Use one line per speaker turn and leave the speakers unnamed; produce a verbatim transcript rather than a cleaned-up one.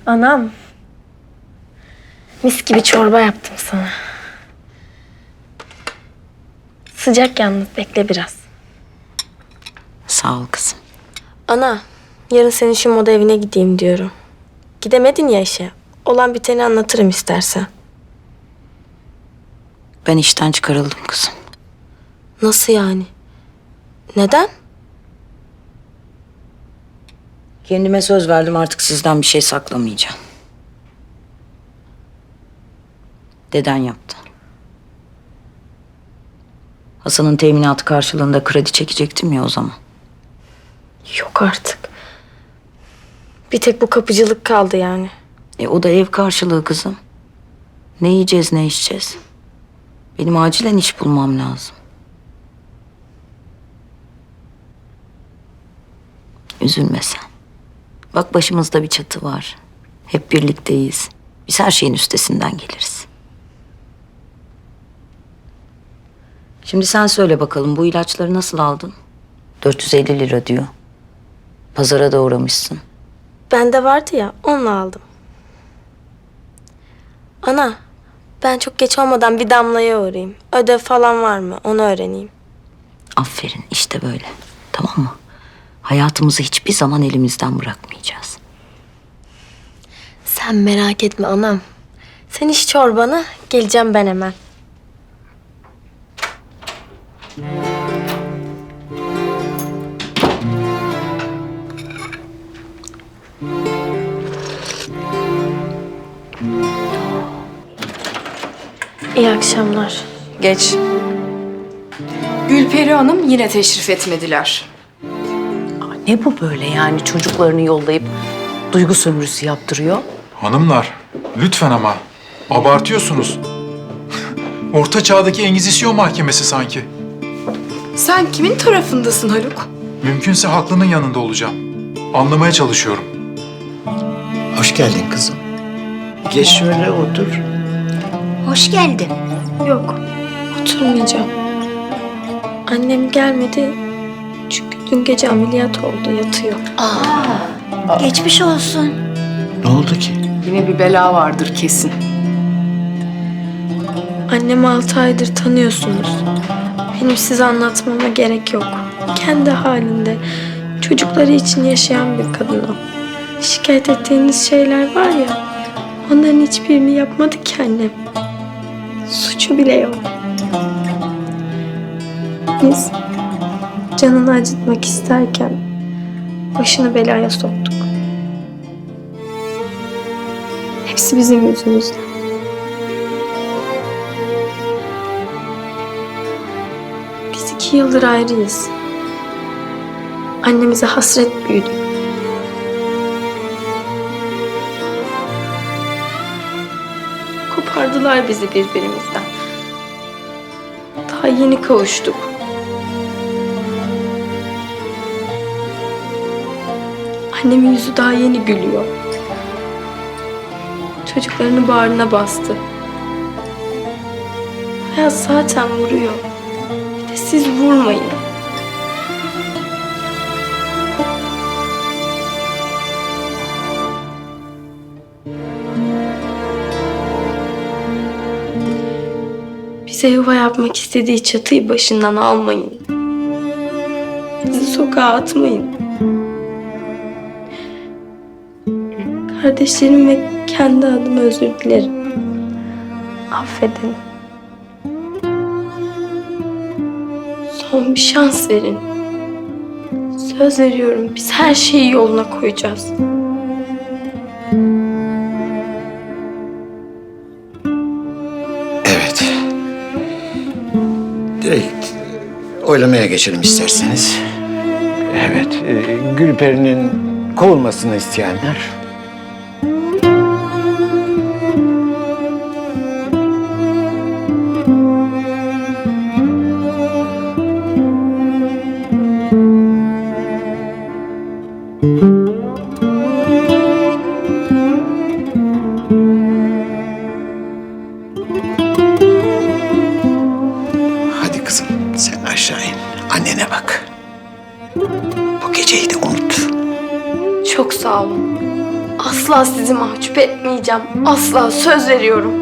Anam. Mis gibi çorba yaptım sana. Sıcak yalnız, bekle biraz.
Sağ ol kızım.
Ana, yarın senin şu moda evine gideyim diyorum. Gidemedin ya işe. Olan biteni anlatırım istersen.
Ben işten çıkarıldım kızım.
Nasıl yani? Neden?
Kendime söz verdim, artık sizden bir şey saklamayacağım. Deden yaptı. Hasan'ın teminatı karşılığında kredi çekecektim ya o zaman.
Yok artık. Bir tek bu kapıcılık kaldı yani.
E o da ev karşılığı kızım. Ne yiyeceğiz, ne içeceğiz? Benim acilen iş bulmam lazım. Üzülme sen. Bak, başımızda bir çatı var. Hep birlikteyiz. Biz her şeyin üstesinden geliriz. Şimdi sen söyle bakalım, bu ilaçları nasıl aldın? dört yüz elli lira diyor. Pazara da uğramışsın.
Bende vardı ya, onunla aldım. Ana, ben çok geç olmadan bir Damla'ya uğrayayım. Ödev falan var mı? Onu öğreneyim.
Aferin, işte böyle. Tamam mı? Hayatımızı hiçbir zaman elimizden bırakmayacağız.
Sen merak etme anam. Sen iç çorbanı, geleceğim ben hemen. İyi akşamlar.
Geç. Gülperi Hanım yine teşrif etmediler.
Ne bu böyle yani, çocuklarını yollayıp duygu sömürüsü yaptırıyor?
Hanımlar, lütfen ama. Abartıyorsunuz. Orta çağdaki Engizisyon mahkemesi sanki.
Sen kimin tarafındasın Haluk?
Mümkünse haklının yanında olacağım. Anlamaya çalışıyorum.
Hoş geldin kızım. Geç şöyle otur.
Hoş geldin.
Yok, oturmayacağım. Annem gelmedi. Çünkü dün gece ameliyat oldu, yatıyor.
Geçmiş olsun.
Ne oldu ki?
Yine bir bela vardır kesin.
Annemi altı aydır tanıyorsunuz. Benim size anlatmama gerek yok. Kendi halinde, çocukları için yaşayan bir kadın o. Şikayet ettiğiniz şeyler var ya, onların hiçbirini yapmadı ki annem. Suçu bile yok. Biz canını acıtmak isterken başını belaya soktuk. Hepsi bizim yüzümüzden. Biz iki yıldır ayrıyız. Annemize hasret büyüdük. Kopardılar bizi birbirimizden. Daha yeni kavuştuk. Annemin yüzü daha yeni gülüyor. Çocuklarını bağrına bastı. Hayat zaten vuruyor. Bir de siz vurmayın. Bize yuva yapmak istediği çatıyı başından almayın. Bizi sokağa atmayın. Kardeşlerim ve kendi adıma özür dilerim. Affedin. Son bir şans verin. Söz veriyorum, biz her şeyi yoluna koyacağız.
Evet. Direkt oylamaya geçelim isterseniz. Evet, e, Gülperi'nin kovulmasını isteyenler. Hadi kızım, sen aşağı in. Annene bak. Bu geceyi de unut.
Çok sağ olun. Asla sizi mahcup etmeyeceğim. Asla, söz veriyorum.